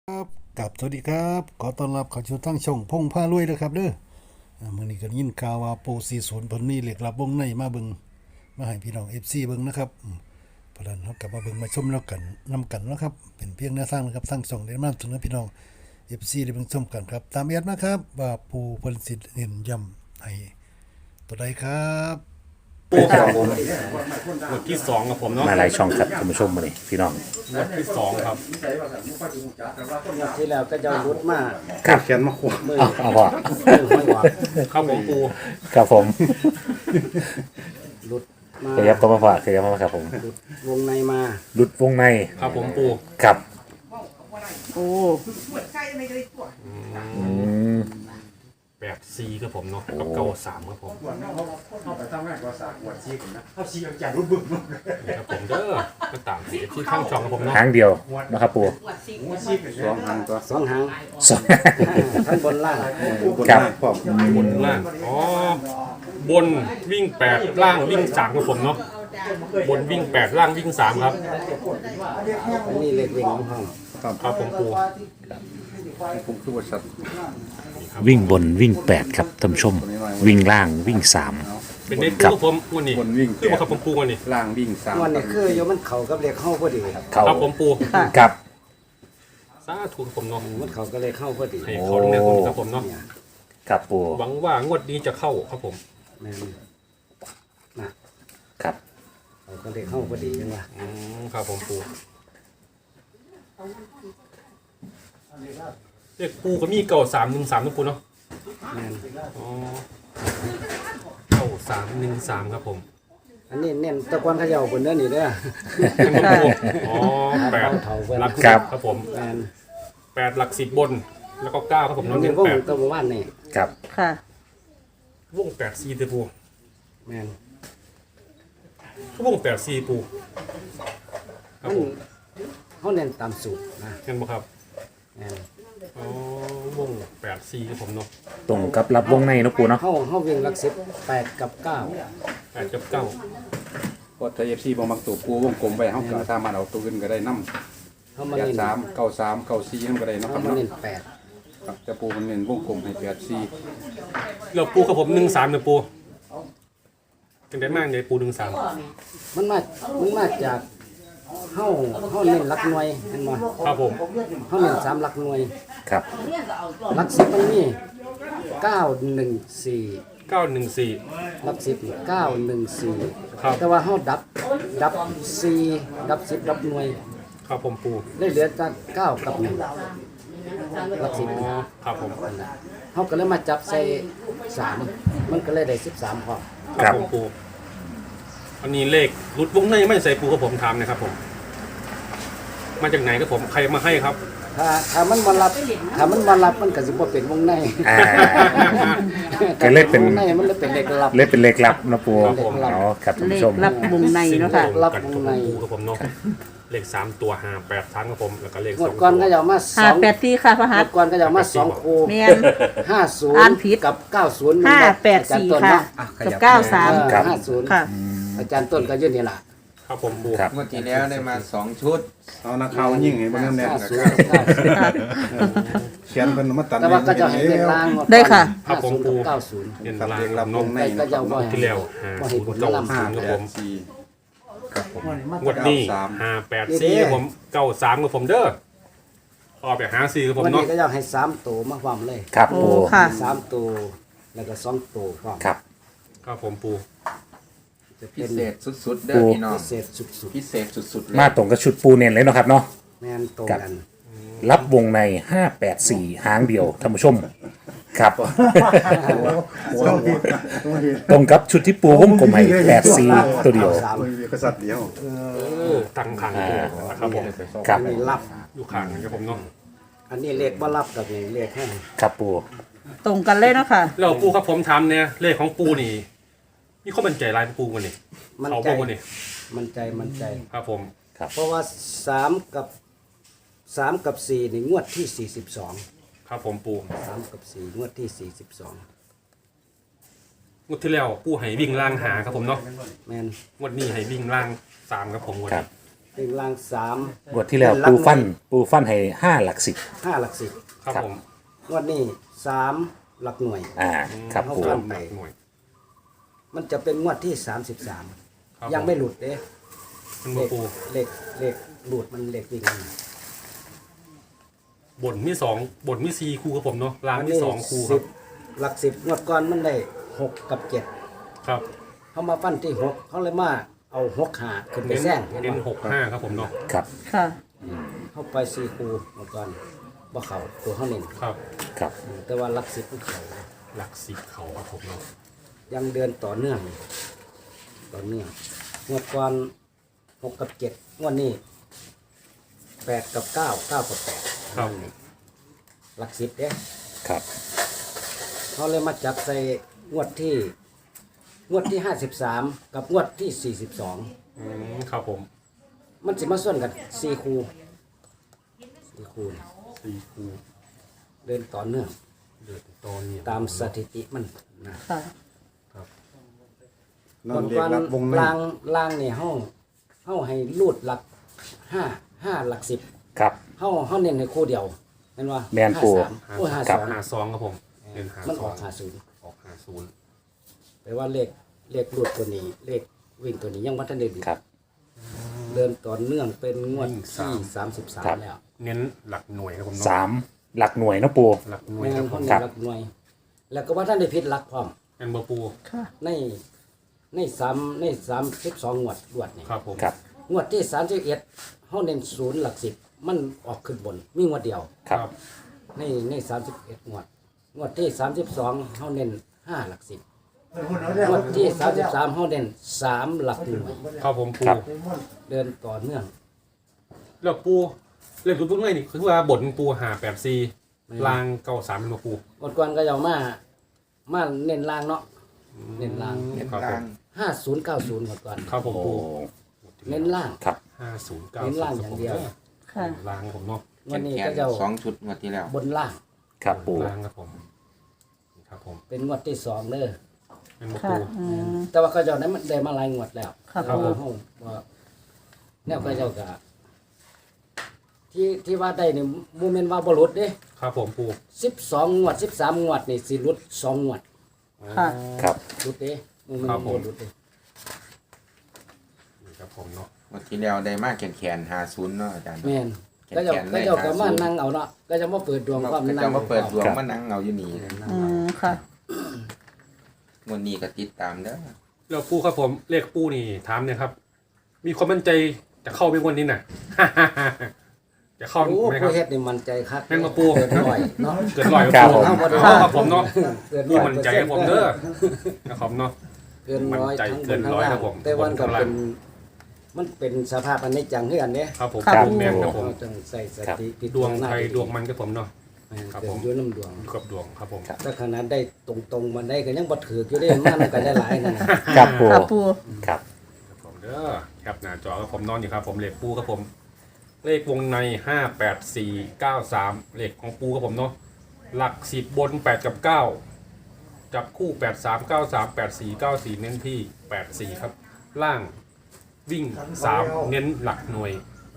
ครับกับสวัสดีครับขอต้อนรับเข้าสู่ทั้งช่องพงผ้ารวยนะครับเด้อมื้อนี้ก็ยินข่าวว่าโปร40เพิ่นมีเหล็กลับวงในมาเบิ่งมาให้พี่น้อง FC เบิ่งนะครับเพราะฉะนั้นเฮากลับมาเบิ่งมาชมแล้วกันนำกันนะครับเป็นเพียงแนวทางนะครับทั้งช่องได้นำเสนอพี่น้อง FC ได้เบิ่งชมกันครับตามแอดนะครับว่าผู้เพิ่นสิเน้นย้ำให้ตัวใดครับครับผมหมวดที่สองครับผมเนาะมาหลายช่องครับท่านผู้ชมมาเลยพี่น้องหมวดที่สองครับที่แล้วก็จะรุดมากครับเขียนมาขวมือเอาพอมือห้อยหวังครับผมปูครับผมรุดมาขยับเข้ามาฝากขยับเข้ามาครับผมรุดวงในมาหลุดวงในครับผมปูครับโอ้อืม 8 4ครับผมเนาะกับเก้าสามครับผมนี่ครับผมเด้อก็ตามสีที่ข้างช่องครับผมเนาะหางเดียวนะครับปูสองหางตัวสองหางสองทั้งบนล่างครับบนล่างอ๋อบนวิ่ง8ล่างวิ่ง3ครับผมเนาะบนวิ่ง8ล่างวิ่ง3ครับอันนี้เล็กวิ่งของห้องครับผมปูวิ่งบนวิ่ง8ครับท่านผู้ชม วิ่งล่างวิ่ง3 เป็นเด็กครับปูผมวันนี้บนวิ่งคือมาครับผมปูวันนี้ล่างวิ่งสามวันนี้คือโยมันเข่ากับเล็กเข้าพอดีครับเขาครับผมปูครับสาธุครับผมเนาะมันเข่าก็เลยเข้าพอดีให้เขาเนี่ยผมครับผมเนาะครับปูหวังว่างวดนี้จะเข้าครับผมแม่นนะครับ เขาก็เลยเข้าพอดีจังวะครับผมปูเรียกปูก็มีเก่า313นะปูเนาะแม่นอ๋อเก่า313ครับผมอันนี้เน้นตะกอนเขย่าบนเนื้อนี่เด้อเป็นครับผมอ๋อแปดหลักสิบครับผมแม่น 8หลัก10บน แล้วก็9ครับผมมัน้อน งเป็เน้นนวง 8 ตัวว่านนี่ครับค่ะวง8 4ตัวปูแม่นวง8 4ปูครับมันผมเขาเน้นตามสูตรนะเห็นบ่ครับแม่นอ๋อวง8 4ครับผมเนาะตรงกับรับวงในเนาะปูเนาะเขาวิ่งหลักสิบ8กับ9 8กับ9 พอไทยเอฟซีบางตัวกูวงกลมไปเขาก็สามารถเอาตัวอื่นก็ได้น้ำเขามาแปดเน้นสามเก้าสามเก้าสี่นั่นก็ได้เนาะคเขารับมาเนาะเน้น8 ครับจะปูมันเน้นวงกลมให้8 4 แล้วปูครับผม13เนี่ยปูจังได้มากเลยปู13 มันมาจากเฮาเน้นหลักหน่วยเห็นบ่ครับผมเฮาเน้น3หลักหน่วยครับหลัก10มันมี914 914 หลัก10นี่914 ครับแต่ว่าเฮาดับ4ดับ10ดับหน่วยครับผมปูได้เหลือแต่9กับ1หลักอ๋อ 10 ครับผมเฮาก็เลยมาจับใส่3มันก็เลยได้13พอครับผมปูอันนี้เลขหลุดวงในไม่ใส่ปูกับผมถามนะครับผม มาจากไหนครับผมใครมาให้ครับถ้ามันบ่รับมันก็สิบ่เป็นวงในอ่า ก็เลยเป็นวงในมันเลยเป็นเลขลับเล่นเป็นเลขลับนะปูครับผมอ๋อครับท่านเลผู้ขชมรับวงในเนาะค่ะรับกันวกับงผมในปูกับผมเนาะเลข3ตัว5 8ชั้นครับผมแล้วก็เลขงวด 2 ก่อนก็จะเอามาห้าแปดสี่ค่ะพระงหัวสดก่อนก็จะเอามา2คู่แมน อ่านผิด 50กับ90 584 ค่ะ กับ 93 ครับ 50 ค่ะอาจารย์ต้นก็อยู่นี่ล่ะครับผมปูครับงวดที่แล้วได้มา2 ชุดเอานักข่าวยิ่งให้บ้างแน่นๆนะครับ 50กับเขียนเป็นมาตัด 90แต่ว่าก็จะให้เลขล่างงวก่อนได้ค่ะครับผมปู 50กับเรียนลางลำนม 90ก็จะเอาบ่ให้ที่แล้วบ่ให้ผลเก้าลำศูนย์ครับผม 4ครับผมงวดนี้584ครับผม93ครับผมเด้อออกไปหา4ครับผมวันเนาะนี้ก็จะให้3ตัวมาความเลยครับโอ้ปูค่ะ 3ตัวแล้วก็2ตัวความครับครับผมปูจะพิเป็นเศษสุดๆเด้อพี่น้องพิเศษสุดพิเศษสุดๆเลยมาตรงกับชุดปูเน้นเลยเนาะครับเนาะๆแม่นตรงกันรับวงใน 584 หางเดียวท่านผู้ชม ครับ ตรงกับชุดที่ปูวงกลมให้84 ตัวเดียวกษัตริย์เดียวตั้งขังนะครับผมครับอันนี้รับอยู่ข้างครับผมเนาะอันนี้เลขบ่รับกับนี่เลขให้ครับปูตรงกันเลยเนาะค่ะแล้วปูครับผมทำเนี่ยเลขของปูนี่มีข้อมั่นใจลายปูวันนี้มันเขาใจบอกวันนี้มันใจครับผมเพราะว่า3กับ4นี่งวดที่42 ครับผมปู 3กับ4งวดที่42 งวดที่แล้วปูให้วิ่งล่างหาครับผมเนาะแม่นงวดนี้ให้วิ่งล่าง3ครับผมวันครันี้บวิ่งล่างสามงวดที่แล้วปูฟันให้5 หลัก 10 5 หลักสิบครับครับผมงวดนี้3 หลักหน่วยครับปูเอาหลักหน่วยมันจะเป็นงวดที่ครับ 33 ยังไม่หลุดเด้มันเลมาขปูเลขหลุดมันเลขวิ่งมันบนมี2บนมี4คู่ครับผมเนาะล่างมี2คู่คสิรับบหลัก10งวดก่อนมันได้6 กับ 7 ครับเขามาฟันที่ 6เขาเลยมาเอา6หาขึ้นไปเน้นแซงเห็นเน้นบ่ 6-5ครับผมเนาะครับค่ะเข้าไป4คู่งวดก่อนบ่เข้าตัวเขาเน้นครับครับแต่ว่าหลัก10มันเข้าหลัก10เขาครับผมเนาะยังเดือนต่อเนื่องงวดก่อน6 กับ 7งวดนี้8 กับ 9 9 กับ 8 ครับหลัก10เด้ครับเขาเลยมาจับใส่งวดที่53กับงวดที่42 ครับผมมันสิมาส่วนกัน4คู่4คู่นี่ 4คู่เดินต่อเนื่องเดือดตอนนี้ตามสถิติมันนะค่ะนอนเรียกรับวงในล่างนี่เฮาให้รูดหลัก5หลัก10 ครับเฮาเน้นให้คู่เดียวเห็นว่าแม่นปู่โอ้ยครับ 52ครับผมเน้นมันออก 50ออก50 แปลว่าเลขรูดตัวนี้เลขวิ่งตัวนี้ยังบ่ทันได้ดีครับเดินต่อเนื่องเป็นงวดวิ่งที่ครับ 33แล้วเน้นหลักหน่วยครับผมเนาะ 3 หลักหน่วยเนาะปูหลักหน่วยแม่ครับนผคมนหลักหน่วย แล้วก็ว่าท่านได้ผิดหลักพร้อมแอนเบอร์ปูค่ะใน32งวดรวดนี่ครับผมครับงวดที่31เฮาเน้น0หลัก10มันออกขึ้นบนมีงวดเดียวครับใน31งวดที่32เฮาเน้น5หลัก10งวดที่33เฮาเน้น3หลักหน่วยครับผมปูครับเดินต่อเนื่องแล้วปูเล่นตัวง่ายนี่คือว่าบทปู584ลาง93เป็นบ่ปูงวดก่อนก็จะเอามาเน้นล่างเนาะเน้นล่างเน้นครับผล่างม 5090งวดก่อนครับผมโอ้ปูเน้นล่างครับ 5090 เน้นล่างอย่างเดียวค่ะลางผมเนาะวันนี้แขก็นจะ 2 ชุดงวดที่แล้วบนล่างครับปูลางครับผมครับผมเป็นงวดที่2เด้อเป็นบ่ค่ะปูแต่ว่าก็เจ้านั้นมันได้มาหลายงวดแล้วครับเพราะว่าเฮาว่าแนวก็เจ้าก็ที่ว่าได้นี่บ่แม่นว่าบ่หลุดเด้ครับผมปู 12งวด13งวดนี่สิหลุด2งวดค่ะครับหลุดเด้บ่แม่นบ่หลุดเด้นี่ครับผมเนาะงวดที่แล้วได้มากแขน50เนาะอาจารย์แม่นแขนก็เจ้าแขนก็ได้เจ้าก็มา 50 นั่งเอาเนาะก็จะมาเปิดดวงความก็นั่จะงมาเปิดดวงครับมานั่งเอาอยู่นี่อืม ค่ะงวดนี้ก็ติดตามเด้อแล้วปูครับผมเลขปูนี่ถามเนี่ยครับ มีความมั่นใจจะเข้าเป็นวันนี้น่ะ จะเข้าโอ้ไหมคผู้รับเฮ็ดนี่มั่นใจคักแม่นบ่ปู่เกินร้อยเนาะเกินร้อยครับผมครับผมเนาะเกินพี่ร้อยมั่นใจให้ผมเด้อนะครับเนาะเกินร้อยมั่นใจทั้งบเกินนทั้งร้อยล่าครังบผมแต่วันก็บนทั้งล่างมันเป็นสภาพอันนี้จังเฮือนเด้ครับผมครับแม่นครับผมเราต้องใส่สติพิดวงจารณาใครดวงมันครับผมเนาะ ครับเกิผดมอยู่น้ำดวงอยู่กับดวงครับผมถ้าขนาดได้ตรงๆมันได้ก็ยังบ่ถืออยู่ได้มันก็ได้หลายนั่นน่ะครับปูค่ะปูครับครับผมเด้อครับหน้าจอครับผมนอนอยู่ครับผมเลขปูครับผม เลขวงใน58493เลขของปูครับผมเนาะหลัก10บน8กับ9จับคู่8393 8494เน้นที่84ครับล่างวิ่ง3เน้นหลักหน่วย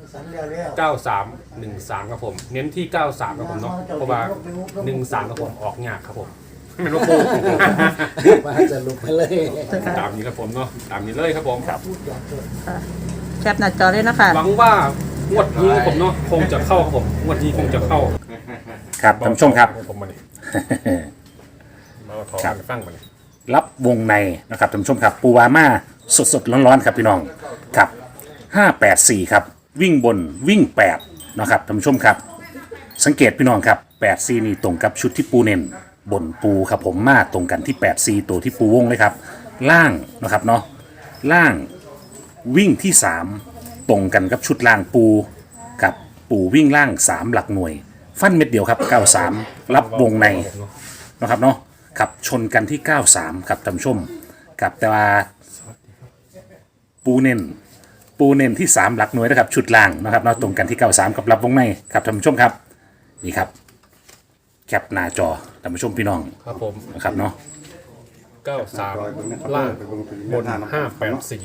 9313ครับผมเน้นที่93ครับผมเนาะเพราะว่า13ครับผมออกยากครับผมไม่รู้ปูว่าจะลุกไปเลยตามนี้ครับผมเนาะตามนี้เลยครับผมครับแคปหน้าจอเลยนะคะหวังว่างวดนี้ครับผมเนาะคงจะเข้าครับผมงวดนี้คงจะเข้าครับท่านผู้ชมครับผมมาดิมาถอครับนฟังมาดิรับวงในนะครับท่านผู้ชมครับปูวาม่าสดๆร้อนๆครับพี่น้องครับ584ครับวิ่งบนวิ่ง8นะครับท่านผู้ชมครับ สังเกตพี่น้องครับ84นี่ตรงกับชุดที่ปูเน้นบนปูครับผมมาตรงกันที่84ตัวที่ปูวงเลยครับล่างนะครับเนาะล่างวิ่งที่3ตรงกันกับชุดล่างปูกับปูวิ่งล่าง3หลักหน่วย ฟันเม็ดเดียวครับ93รับวงใน นะครับเนาะขับชนกันที่ 93ครับท่านผู้ชมกับแต่ว่าปูเน้นที่ 3 หลักหน่วยนะครับชุดล่างนะครับเนาะตรงกันที่ 93กับรับวงในครับท่านผู้ชมครับนี่ครับแคปหน้าจอท่านผู้ชมพี่น้องครับผมนะครับเนาะ 93ล่างบน584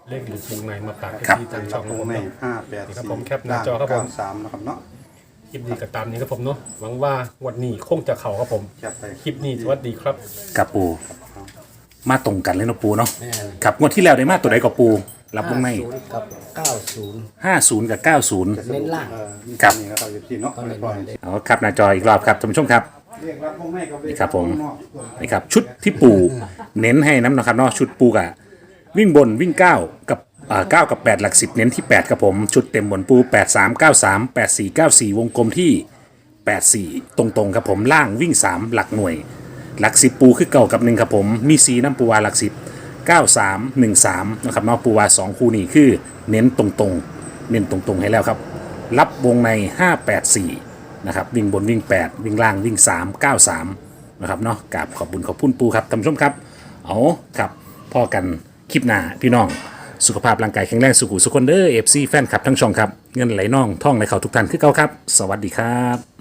เลขหลุดวงในมาฝากครับที่ทางช่องตรงผมในเนาะ 584 นี่ครับผมแคปหน้าจอครับผม 93นะครับเนาะคลิปนี้ก็ตามนี้ครับผมเนาะหวังว่าวันนี้คงจะเข่าครับผมแคปไปคลิปนี้สวัสดีครับกับปูมาตรงกันเลยเนาะปูเนาะแม่นครับงวดที่แล้วได้มาตัวใดกับปูรับวงใน 50กับ90 50 กับ 90 เน้นล่างครับนี่นะครับอยู่ที่เนาะก็เน้นปล่อยเลยเอาครับหน้าจออีกรอบครับท่านผู้ชมครับเรียกรับวงในกับนี่ครับผม นี่ครับชุดที่ปูเน้นให้น้ำนะครับเนาะชุดปูกะวิ่งบนวิ่ง9กับ9กับ8หลัก10เน้นที่8ครับผมชุดเต็มบนปู8393 8494วงกลมที่84ตรงๆครับผมล่างวิ่ง3หลักหน่วยหลัก10ปูคือเก่ากับ1ครับผมมี4น้ำปูวาหลัก10 9313นะครับเนาะปูวา2คู่นี้คือเน้นตรงๆเน้นตรงๆให้แล้วครับรับวงใน584นะครับวิ่งบนวิ่ง8วิ่งล่างวิ่ง3 93นะครับเนาะกราบขอบบุญขอบคุณปูครับท่านผู้ชมครับเอาครับพ่อกันคลิปหน้าพี่น้องสุขภาพร่างกายแข็งแรงสุขุสุขคนเด้อ FC แฟนคลับทั้งช่องครับเงินไหลน่องท่องไหลเข้าทุกท่านคือเก่าครับสวัสดีครับ